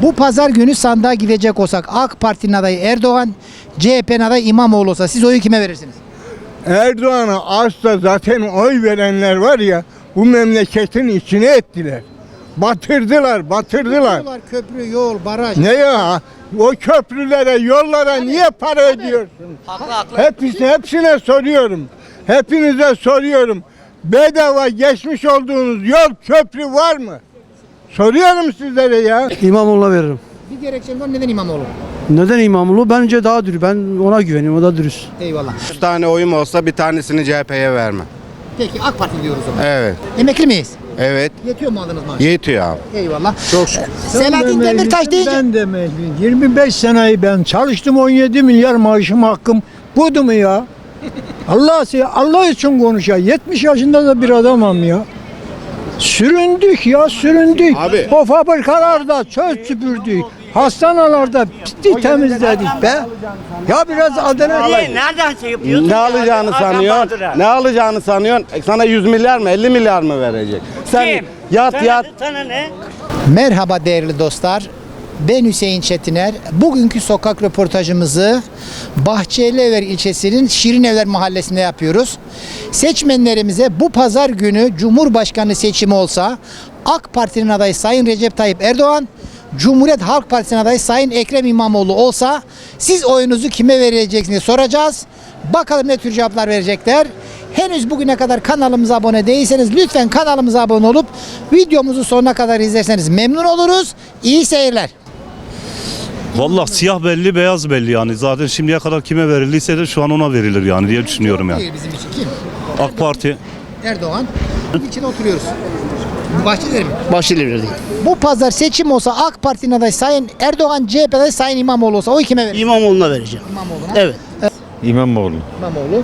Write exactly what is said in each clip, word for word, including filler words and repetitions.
Bu pazar günü sandığa gidecek olsak AK Parti'nin adayı Erdoğan, C H P'nin adayı İmamoğlu olsa siz oyu kime verirsiniz? Erdoğan'a asla zaten oy verenler var ya, bu memleketin içine ettiler. Batırdılar, batırdılar. Köprü, yol, baraj. Ne ya? O köprülere, yollara niye para ödüyorsun? Haklı haklı. Hepsi, hepsine soruyorum. Hepinize soruyorum. Bedava geçmiş olduğunuz yol, köprü var mı? Soruyorum sizlere ya. İmamoğlu'na veririm. Bir gerekçen var, neden İmamoğlu? Neden İmamoğlu? Bence daha dürüst. Ben ona güveniyorum. O da dürüst. Eyvallah. üç tane oyum olsa bir tanesini C H P'ye verme. Peki AK Parti diyoruz o zaman. Evet. Emekli miyiz? Evet. Yetiyor mu aldığınız maaş? Yetiyor abi. Eyvallah. Çok şükür. Selahattin Demirtaş deyince... Ben de emekliyim. yirmi beş seneyi ben çalıştım, on yedi milyar maaşım hakkım. Budu mu ya? Allah Allah için konuş ya. yetmiş yaşında da bir adamım ya. Süründük ya, süründük. Abi. O fabrikalarda çöl süpürdük. Hastanelerde pislik temizledik be. Ya biraz adına Niye? Nereden şey yapıyorsun? Ne ya? alacağını Hakan sanıyorsun? Bahadır'a. Ne alacağını sanıyorsun? E, Sana yüz milyar mı, elli milyar mı verecek? Sen Kim? yat Sana- yat. Sana ne? Merhaba değerli dostlar. Ben Hüseyin Çetiner. Bugünkü sokak röportajımızı Bahçelievler ilçesinin Şirinevler mahallesinde yapıyoruz. Seçmenlerimize bu pazar günü Cumhurbaşkanı seçimi olsa AK Parti'nin adayı Sayın Recep Tayyip Erdoğan, Cumhuriyet Halk Partisi'nin adayı Sayın Ekrem İmamoğlu olsa siz oyunuzu kime vereceksiniz soracağız. Bakalım ne tür cevaplar verecekler. Henüz bugüne kadar kanalımıza abone değilseniz lütfen kanalımıza abone olup videomuzu sonuna kadar izlerseniz memnun oluruz. İyi seyirler. Vallahi siyah belli beyaz belli yani zaten şimdiye kadar kime verildiyse de şu an ona verilir yani diye düşünüyorum yani. Değil bizim için kim? AK Parti Erdoğan. İçinde oturuyoruz. Bahçelievler mi? Bahçelievler değil. Bu pazar seçim olsa AK Parti'nin adayı Sayın Erdoğan, C H P adayı Sayın İmamoğlu olsa oy kime verir? İmamoğlu'na vereceğim. İmamoğlu'na. Evet. İmamoğlu. İmamoğlu.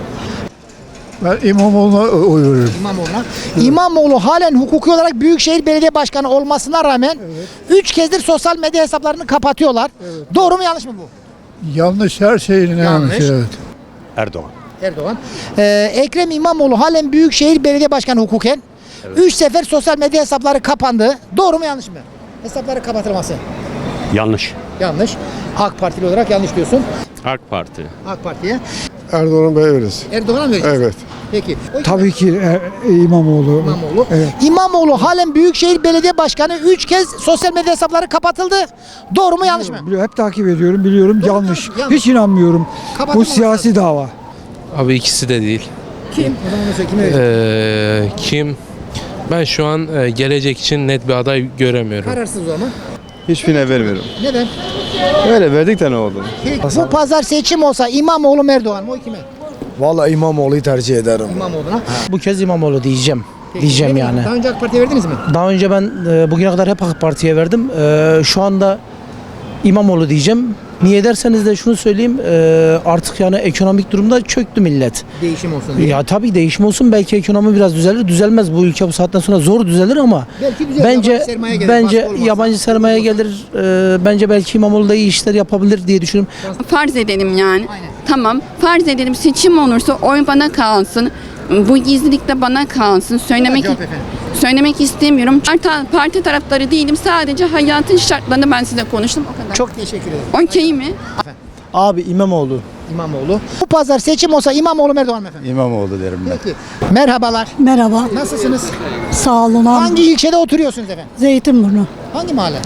ben İmamoğlu'na oy veririm. İmamoğlu'na. İmamoğlu halen hukuki olarak Büyükşehir Belediye Başkanı olmasına rağmen üç kezdir sosyal medya hesaplarını kapatıyorlar. Doğru mu yanlış mı bu? Yanlış, her şeyin Yanlış. evet. Erdoğan. Erdoğan. Ee, Ekrem İmamoğlu halen Büyükşehir Belediye Başkanı hukuken. Üç sefer sosyal medya hesapları kapandı. Doğru mu yanlış mı? Hesapları kapatılması. Yanlış. Yanlış. AK Partili olarak yanlış diyorsun. AK Parti. AK Parti'ye. Erdoğan'a veririz. Erdoğan'a mı vereceğiz? Evet. Peki. O Tabii ki e, İmamoğlu. İmamoğlu. Evet. İmamoğlu halen Büyükşehir Belediye Başkanı üç kez sosyal medya hesapları kapatıldı. Doğru mu yanlış mı? Biliyorum, hep takip ediyorum, biliyorum. Doğru, yanlış. yanlış. Hiç inanmıyorum. Bu Kapatılmaması siyasi lazım. dava. Abi ikisi de değil. Kim? O zaman onu söyle, kime vereceksin? Ee, kim? Ben şu an e, gelecek için net bir aday göremiyorum. Kararsız o zaman. Hiçbirine vermiyorum. Neden? Öyle verdik de ne oldu? Peki, bu pazar seçim olsa İmamoğlu mu Erdoğan mı? O kime? Vallahi İmamoğlu'yu tercih ederim. İmamoğlu'na. Bu kez İmamoğlu diyeceğim. Peki, diyeceğim neden? yani. Daha önce AK Parti'ye verdiniz mi? Daha önce ben e, bugüne kadar hep AK Parti'ye verdim. E, şu anda İmamoğlu diyeceğim. Niye derseniz de şunu söyleyeyim. e, artık yani ekonomik durumda çöktü millet. Değişim olsun diye. Ya tabii değişim olsun, belki ekonomi biraz düzelir. Düzelmez, bu ülke bu saatten sonra zor düzelir ama Belki düzelir, bence yabancı sermaye gelir, bence baskı olmaz. yabancı sermaye gelir. E, bence belki İmamoğlu da iyi işler yapabilir diye düşünüyorum. Farz edelim yani. Aynen. Tamam. Farz edelim seçim olursa oy bana kalsın. Bu gizlilik de bana kalsın. Söylemek Cevap efendim. söylemek istemiyorum. Parti, parti taraftarı değilim. Sadece hayatın şartlarını ben size konuştum o kadar. Çok teşekkür ederim. Okey mi? Abi İmamoğlu. İmamoğlu. Bu pazar seçim olsa İmamoğlu mu Erdoğan mı efendim? İmamoğlu derim ben. Peki. Merhabalar. Merhaba, Nasılsınız? sağ olun. Hangi ilçede oturuyorsunuz efendim? Zeytinburnu, Hangi mahalle?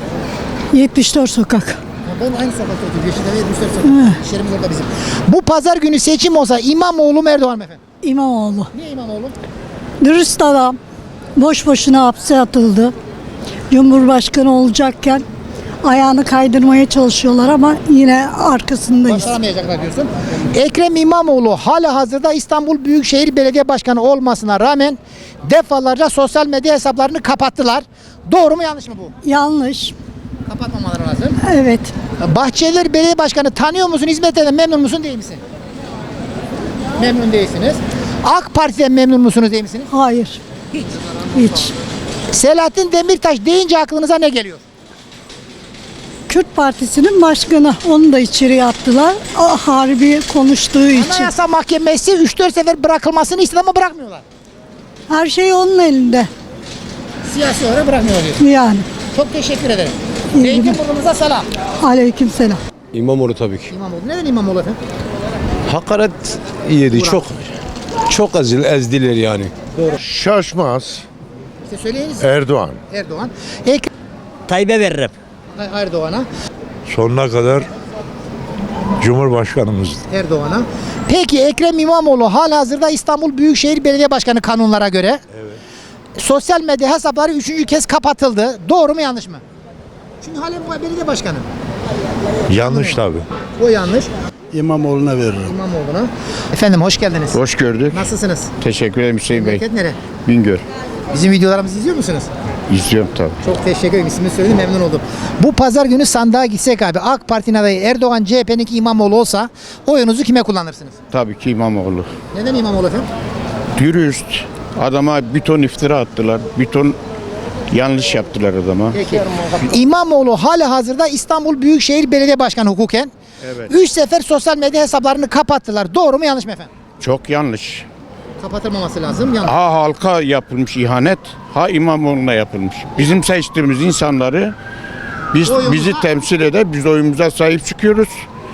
yetmiş dört sokak. Ya ben aynı sokakta oturuyorum. Yeşildere'ye yetmiş dört sokak. İş yerimiz orada bizim. Bu pazar günü seçim olsa İmamoğlu mu Erdoğan mı efendim? İmamoğlu. Niye İmamoğlu? Dürüst adam, boş boşuna hapse atıldı. Cumhurbaşkanı olacakken ayağını kaydırmaya çalışıyorlar ama yine arkasındayız. Başaramayacaklar diyorsun. Ekrem İmamoğlu hala hazırda İstanbul Büyükşehir Belediye Başkanı olmasına rağmen defalarca sosyal medya hesaplarını kapattılar. Doğru mu yanlış mı bu? Yanlış. Kapatmamaları lazım. Evet. Bahçelievler Belediye Başkanı tanıyor musun? Hizmetinden memnun musun değil misin? Memnun değilsiniz. AK Parti'den memnun musunuz değil misiniz? Hayır. Hiç. Hiç. Selahattin Demirtaş deyince aklınıza ne geliyor? Kürt Partisi'nin başkanı. Onu da içeriye attılar. Ah, harbi konuştuğu için. Anayasa Mahkemesi üç dört sefer bırakılmasını istedi ama bırakmıyorlar. Her şey onun elinde. Siyasi olarak bırakmıyorlar diyor. Yani. Çok teşekkür ederim. Zeytinburnu'muza selam. Aleykümselam. İmamoğlu tabii ki. İmamoğlu. Neden İmamoğlu efendim? Hakaret yedi. Çok çok ezil, ezdiler yani. Şaşmaz. İşte söyleyiniz. Erdoğan. Erdoğan. Ekrem Tayyip'e veririm. Erdoğan'a. Sonuna kadar Cumhurbaşkanımız. Erdoğan'a. Peki Ekrem İmamoğlu halihazırda İstanbul Büyükşehir Belediye Başkanı kanunlara göre. Evet. Sosyal medya hesapları üçüncü kez kapatıldı. Doğru mu yanlış mı? Çünkü halen bu belediye başkanı. Yanlış tabii. O yanlış. İmamoğlu'na veririm. İmamoğlu'na. Efendim hoş geldiniz. Hoş gördük. Nasılsınız? Teşekkür ederim Hüseyin Bey. Memleket nere? Bingöl. Bizim videolarımızı izliyor musunuz? İzliyorum tabii. Çok teşekkür ederim. İsmini söyledim, memnun oldum. Bu pazar günü sandığa gitsek abi, AK Parti'nin adayı Erdoğan, C H P'ninki İmamoğlu olsa oyunuzu kime kullanırsınız? Tabii ki İmamoğlu. Neden İmamoğlu efendim? Dürüst. Adama bir ton iftira attılar. Bir ton yanlış yaptılar adama. Peki. İmamoğlu halihazırda İstanbul Büyükşehir Belediye Başkanı hukuken. Evet. Üç sefer sosyal medya hesaplarını kapattılar. Doğru mu yanlış mı efendim? Çok yanlış. Kapatılmaması lazım. Yanlış. Ha halka yapılmış ihanet, ha İmamoğlu'na yapılmış. Bizim seçtiğimiz insanları biz Oyumuza- bizi temsil eder, biz oyumuza sahip çıkıyoruz.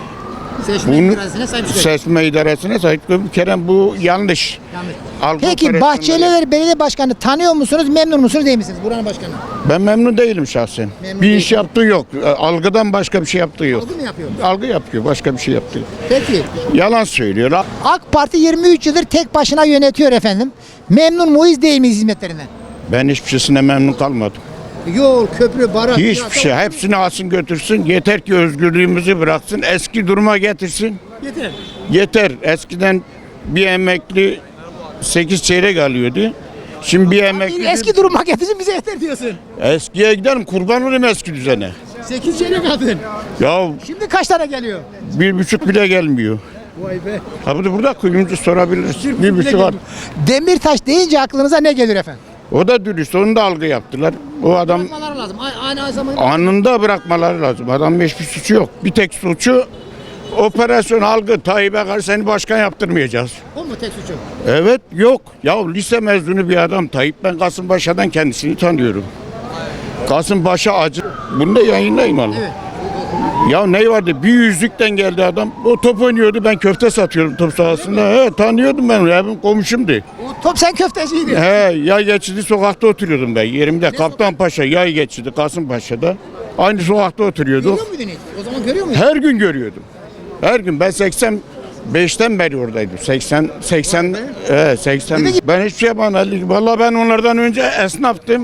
Seçme Bunu- iradesine sahip çıkıyor. Seçme idaresine sahip çıkıyoruz. Bir kere bu yanlış. Yanlış. Algı Peki operasyonları- Bahçelievler Belediye Başkanı tanıyor musunuz? Memnun musunuz değil misiniz? Buranın başkanı. Ben memnun değilim şahsen. Memnun bir değil. iş yaptığı yok. Algıdan başka bir şey yaptığı yok. Algı mı yapıyor? Algı yapıyor, başka bir şey yaptığı yok. Peki. Yalan söylüyor. AK Parti yirmi üç yıldır tek başına yönetiyor efendim. Memnun muyuz değil miyiz hizmetlerinden? Ben hiçbir şeysine memnun kalmadım. Yol, köprü, baraj. Hiçbir şey. Hepsini alsın götürsün. Yeter ki özgürlüğümüzü bıraksın. Eski duruma getirsin. Yeter. Yeter. Eskiden bir emekli sekiz çeyrek alıyordu. Şimdi bir emekli... Eski duruma getirsin bize yeter diyorsun. Eskiye gidelim, kurban olayım eski düzene. sekiz çeyrek aldın. Ya Şimdi kaç tane geliyor? bir buçuk bile gelmiyor. Vay be. Ha burada, burada kuyumcu sorabiliriz. Bir buçuk al. Demirtaş deyince aklınıza ne gelir efendim? O da dürüst, onu da algı yaptılar. O adam Bırakmaları lazım. Aynı, aynı zamanda. anında bırakmaları lazım. Adamın hiçbir suçu yok. Bir tek suçu operasyon algı. Tayyip'e karşı seni başkan yaptırmayacağız. O mu tek suçu? Evet, yok. Ya lise mezunu bir adam Tayyip. Ben Kasımpaşa'dan kendisini tanıyorum. Kasımpaşa acı. Bunu da yayınlayayım Allah. Evet. Ya ne vardı? Bir yüzlükten geldi adam. O top oynuyordu. Ben köfte satıyorum top sahasında. He, tanıyordum ben onu. Benim komşumdu. O top sen köfteciydin. He, yay geçidi sokakta oturuyordum ben. Yerimde Kaptanpaşa, yay geçidi Kasımpaşa'da. Aynı sokakta oturuyorduk. Görüyor muydun hiç? O zaman görüyor muydun? Her gün görüyordum. Her gün. Ben seksen beşten beri oradaydım. seksen seksen evet seksen. Dedi ki- Ben hiçbir şey yapamadım. Vallahi ben onlardan önce esnaftım.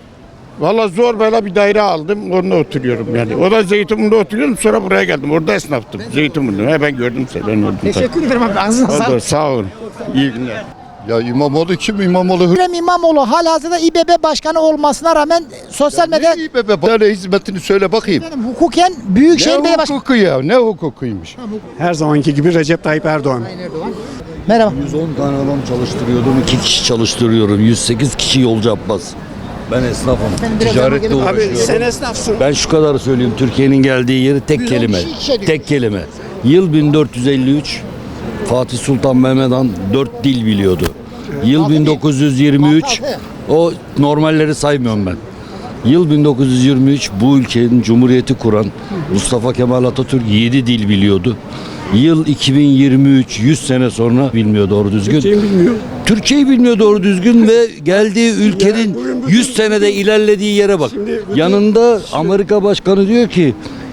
Vallahi zor böyle bir daire aldım. Orada oturuyorum yani. O da Zeytinburnu'nda oturuyorum. Sonra buraya geldim. Orada esnaftım. Zeytinburnu'da. He, ben gördüm seni. Ben gördüm. Teşekkür ederim abi. Ağzına Oldu, sağlık. sağ olun. İyi günler. Ya İmamoğlu kim? İmamoğlu Ekrem İmamoğlu halihazırda İBB Başkanı olmasına rağmen sosyal medya iyi be be. Bana hizmetini söyle bakayım. Efendim, hukuken Büyükşehir Belediye Ne Başkanı. hukuku ya? Ne hukukuymuş? Her zamanki gibi Recep Tayyip Erdoğan. Sayın Erdoğan. Merhaba. yüz on tane adam çalıştırıyordum, iki kişi çalıştırıyorum. yüz sekiz kişi yolcu Abbas. Ben esnafım. Efendim, biraz Ticaretle yanıma gelin. uğraşıyorum. Sen esnafsın. Ben şu kadar söyleyeyim. Türkiye'nin geldiği yeri tek yüz on kelime. kişi işe düşmüş. Tek kelime. Yıl bin dört yüz elli üç Fatih Sultan Mehmet Han dört dil biliyordu. Yıl Altı bin dokuz yüz yirmi üç Altı. o normalleri saymıyorum ben. Yıl bin dokuz yüz yirmi üç bu ülkenin cumhuriyeti kuran Mustafa Kemal Atatürk yedi dil biliyordu. Yıl iki bin yirmi üç yüz sene sonra bilmiyor doğru düzgün. Türkçeyi bilmiyor. Türkçeyi bilmiyor doğru düzgün ve geldiği ülkenin yüz senede ilerlediği yere bak. Yanında Amerika Başkanı diyor ki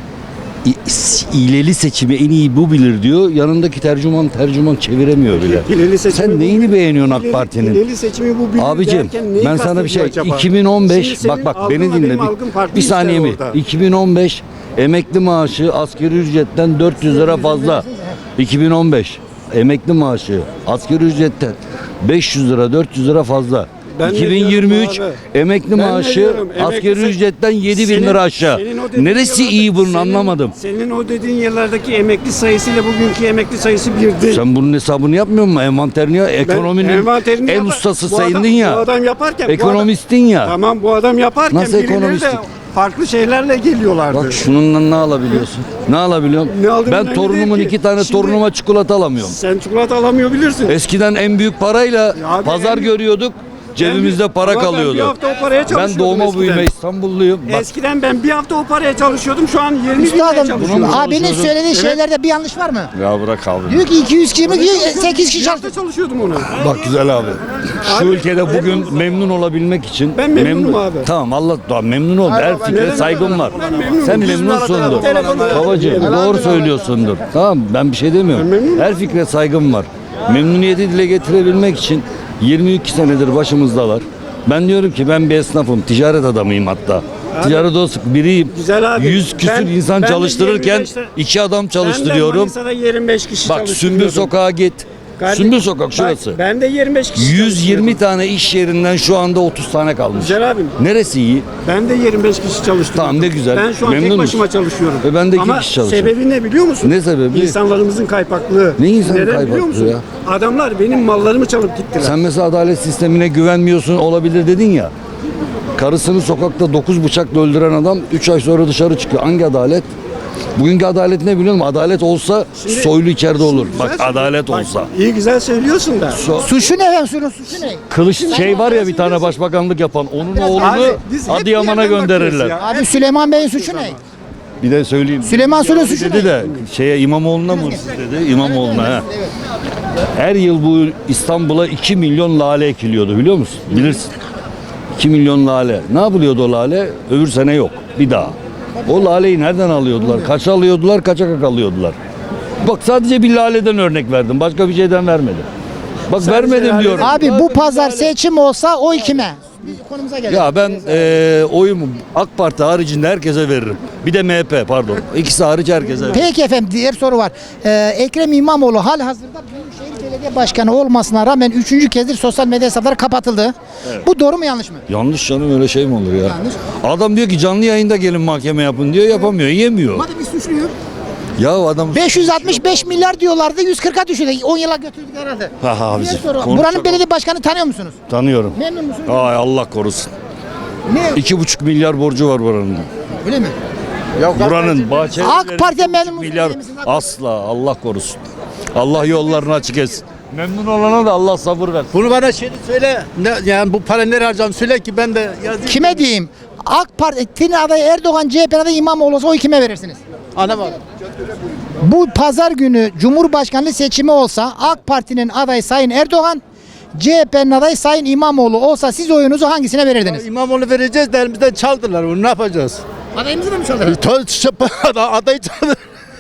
"İ- hileli seçimi en iyi bu bilir diyor. Yanındaki tercüman tercüman çeviremiyor bile. Hileli seçimi Sen bu neyini bilir. beğeniyorsun AK Hileli- Parti'nin? Hileli seçimi bu bilir Abicim derken neyi ben sana bir şey kastediyor acaba? iki bin on beş Şimdi senin bak bak algınla beni dinle benim bir, algım farklı bir işte saniye mi? orada. iki bin on beş emekli maaşı asgari ücretten dört yüz lira fazla. iki bin on beş emekli maaşı asgari ücretten beş yüz lira dört yüz lira fazla. Ben ne iki bin yirmi üç diyorum emekli Ben ne maaşı diyorum? Emekli asgari se- ücretten yedi bin Senin- lira aşağı. senin o dediğin Neresi yıllarda- iyi bunun senin- anlamadım. Senin o dediğin yıllardaki emekli sayısıyla bugünkü emekli sayısı bir değil. Sen bunun hesabını yapmıyor musun? Envanterini ya, ekonominin envanterini en yapar- ustası bu adam- sayındın ya. Bu adam yaparken bu adam- Ekonomistin ya. Tamam bu adam yaparken Nasıl birileri de ekonomistik? farklı şeylerle geliyorlardı. Bak şununla ne alabiliyorsun? Ne alabiliyorum? Ne aldığın Ben önemli torunumun değil ki. iki tane Şimdi- torunuma çikolata alamıyorum. Sen çikolata alamıyor bilirsin. Eskiden en büyük parayla Ya abi pazar en- görüyorduk. Cebimizde para Ama ben bir kalıyordu. hafta o paraya Ben çalışıyordum doğma eskiden. büyüme İstanbulluyum. Bak, Eskiden ben bir hafta o paraya çalışıyordum. Şu an yirmi bin liraya Üstadım çalışıyorum. abinin söylediği şeylerde bir yanlış var mı? ya bırak abi. Diyor ki iki yüz kişi mi? sekiz kişi Bir hafta çalıştı. çalışıyordum ona. Bak güzel abi. Şu ülkede bugün memnun olabilmek için Ben memnunum abi. Tamam Allah da memnun ol. Her fikre saygım var. Sen memnunsundur. Telefonla- Babacığım doğru söylüyorsundur. Tamam ben bir şey demiyorum. Her fikre saygım var. Memnuniyeti dile getirebilmek için yirmi iki senedir başımızdalar. Ben diyorum ki ben bir esnafım, ticaret adamıyım hatta. Ticaret odası biriyim. Güzel abi. yüz küsür Ben- insan ben de çalıştırırken yirmi beşte iki adam Ben de çalıştırıyorum. Manisa'da yirmi beş kişi Bak çalıştırıyordum. Sümbül Sokağa git. Kardeşim, Sümbül Sokak bak, şurası. Ben de yirmi beş kişi yüz yirmi çalıştırıyordum. tane iş yerinden şu anda otuz tane kalmış. Güzel abim. Neresi iyi? Ben de yirmi beş kişi çalıştırıyorum. Tamam, ne güzel. Ben şu an Memnun tek musun? başıma çalışıyorum. E, ben de iki Ama kişi çalışıyorum. sebebi ne biliyor musun? Ne sebebi? İnsanlarımızın kaypaklığı. Ne insan Neden kaypaklığı biliyor musun? ya? Adamlar benim mallarımı çalıp gittiler. Sen mesela adalet sistemine güvenmiyorsun olabilir dedin ya. Karısını sokakta dokuz bıçakla öldüren adam üç ay sonra dışarı çıkıyor. Hangi adalet? Bugünkü adalet ne biliyor musun? Adalet olsa Şimdi- soylu içeride olur. Güzel Bak söylüyorsun. adalet Bak, olsa. İyi güzel söylüyorsun da. So- Suçu ne efendim? Suçu, suçu ne? Kılıç şey var ya bir tane başbakanlık yapan. Onun oğlunu Abi, biz hep Adıyaman'a bir yerden gönderirler. bakıyoruz ya. Abi Süleyman Bey'in suçu ne? Bir de söyleyeyim. Süleyman Soylu suçu dedi ne? de şeye İmamoğlu'na mı hırsız dedi? İmamoğlu'na ha. Her yıl bu İstanbul'a iki milyon lale ekiliyordu biliyor musun? Bilirsin. iki milyon lale. Ne yapılıyordu o lale? Öbür sene yok. Bir daha. O laleyi nereden alıyordular? Kaça alıyordular? Kaça kak alıyordular? Bak sadece bir laleden örnek verdim. Başka bir şeyden vermedim. Bak vermedim diyorum. Abi bu pazar seçim olsa oy kime? Bir konumuza gelelim. Ya ben eee oyumu AK Parti haricinde herkese veririm. Bir de M H P pardon. İkisi hariç herkese veririm. Peki efendim diğer soru var. Ee, Ekrem İmamoğlu hal hazırda Büyükşehir Belediye Başkanı olmasına rağmen üçüncü kezdir sosyal medya hesapları kapatıldı. Bu doğru mu yanlış mı? Yanlış canım öyle şey mi olur ya? Yanlış. Adam diyor ki canlı yayında gelin mahkeme yapın diyor yapamıyor yemiyor. Hadi bir suçluyor. Ya adam beş yüz altmış beş milyar diyorlardı yüz kırka düşürdü. on yıla götürdük herhalde. Ha, ha, Diğer bizi soru. konuşacak Buranın o. belediye başkanı tanıyor musunuz? tanıyorum. Memnun musunuz? Ay Allah korusun. Ne? İki buçuk milyar borcu var buranın. Öyle mi? Buranın Bahçeli AK Parti'ye memnun musunuz? milyar değil misiniz? asla Allah korusun. Allah yollarını açık etsin. Memnun olana da Allah sabır versin. Bunu bana şey söyle. Ne, yani bu para nereye harcam söyle ki ben de yazayım. Kime diyeyim? AK Parti'nin adayı Erdoğan, C H P'nin adayı İmamoğlu olsa oy kime verirsiniz? Ana bak. Bu pazar günü Cumhurbaşkanlığı seçimi olsa AK Parti'nin adayı Sayın Erdoğan, C H P'nin adayı Sayın İmamoğlu olsa siz oyunuzu hangisine verirdiniz? İmamoğlu vereceğiz de elimizden çaldılar bunu ne yapacağız? Adayımızı da mı çaldılar? Adayı çaldı.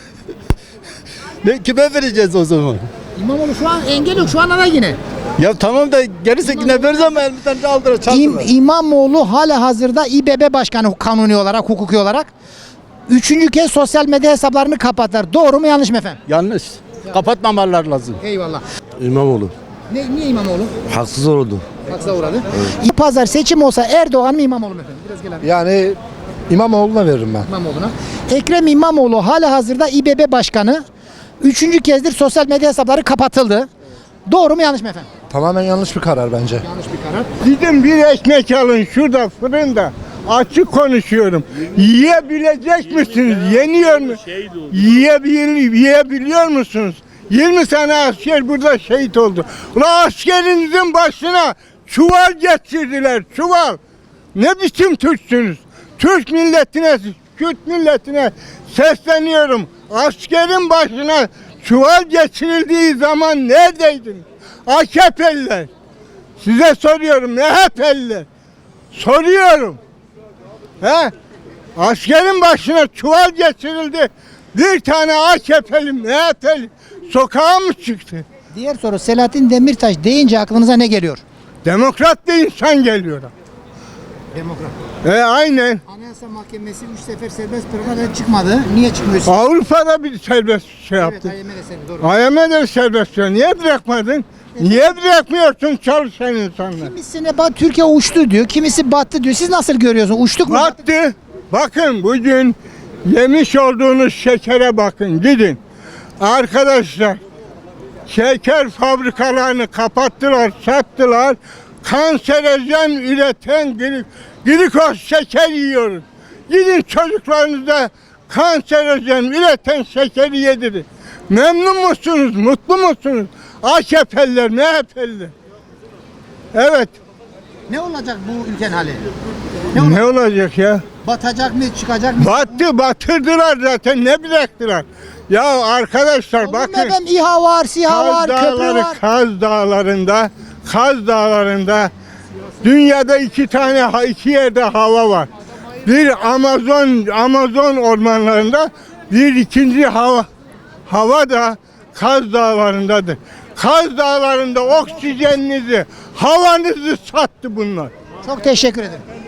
Ne kime vereceğiz o zaman? İmamoğlu şu an engel yok, şu an aday yine. Ya tamam da gerisi yine veririz ama elimizden çaldılar. İm, İmamoğlu hala hazırda İBB Başkanı kanuni olarak, hukuki olarak. Üçüncü kez sosyal medya hesaplarını kapattılar. Doğru mu yanlış mı efendim? Yanlış. Kapatmamalar lazım. Eyvallah. İmamoğlu. Ne, niye İmamoğlu? Haksız oldu. Haksıza uğradı. Evet. Pazar seçim olsa Erdoğan mı İmamoğlu mu efendim? Biraz gel abi. Yani İmamoğlu'na veririm ben. İmamoğlu'na. Ekrem İmamoğlu hala hazırda İBB Başkanı. Üçüncü kezdir sosyal medya hesapları kapatıldı. Doğru mu yanlış mı efendim? Tamamen yanlış bir karar bence. Yanlış bir karar. Gidin bir ekmek alın şurada fırında. Açık konuşuyorum. Yiyebilecek misiniz? Yeniyor mu? Yiyebil yiyebiliyor musunuz? yirmi tane asker burada şehit oldu. Ulan askerinizin başına çuval geçirdiler, çuval. Ne biçim Türksünüz? Türk milletine, Kürt milletine sesleniyorum. Askerin başına çuval geçirildiği zaman neredeydin? A K P'liler. Size soruyorum, M H P'liler. Soruyorum. He? Askerin başına çuval geçirildi. Bir tane A K P'li, M H P'li sokağa mı çıktı? Diğer soru Selahattin Demirtaş deyince aklınıza ne geliyor? Demokrat bir insan geliyor. Demokrat. E aynen. Anayasa Mahkemesi üç sefer serbest bırakmadan çıkmadı. Niye çıkmıyorsun? Avrupa'da bir serbest şey yaptı. Evet, I M F de serbest, doğru. I M F de serbest. Niye bırakmadın? Niye bırakmıyorsun çalışan insanlar? Kimisine bak Türkiye uçtu diyor, kimisi battı diyor. Siz nasıl görüyorsunuz? Uçtuk mu? battık mı? Battı. Bakın bugün yemiş olduğunuz şekere bakın gidin. Arkadaşlar şeker fabrikalarını kapattılar, sattılar. Kanserojen üreten glik, glikoz şeker yiyoruz. Gidin çocuklarınıza kanserojen üreten şekeri yedirin. Memnun musunuz? Mutlu musunuz? A K P'liler, M H P'liler. Evet. Ne olacak bu ülkenin hali? Ne olacak ya? Batacak mı, çıkacak mı? Battı, batırdılar zaten. Ne bıraktılar? Ya arkadaşlar Olur mu bakın. efendim? İHA var, SİHA var, Kaz köprü Dağları, var. Kaz Dağları'nda, Kaz Dağları'nda dünyada iki tane, ha- iki yerde hava var. Bir Amazon, Amazon ormanlarında, bir ikinci hava, hava da Kaz Dağları'ndadır. Kaz Dağları'nda oksijeninizi, havanızı sattı bunlar. Çok teşekkür ederim.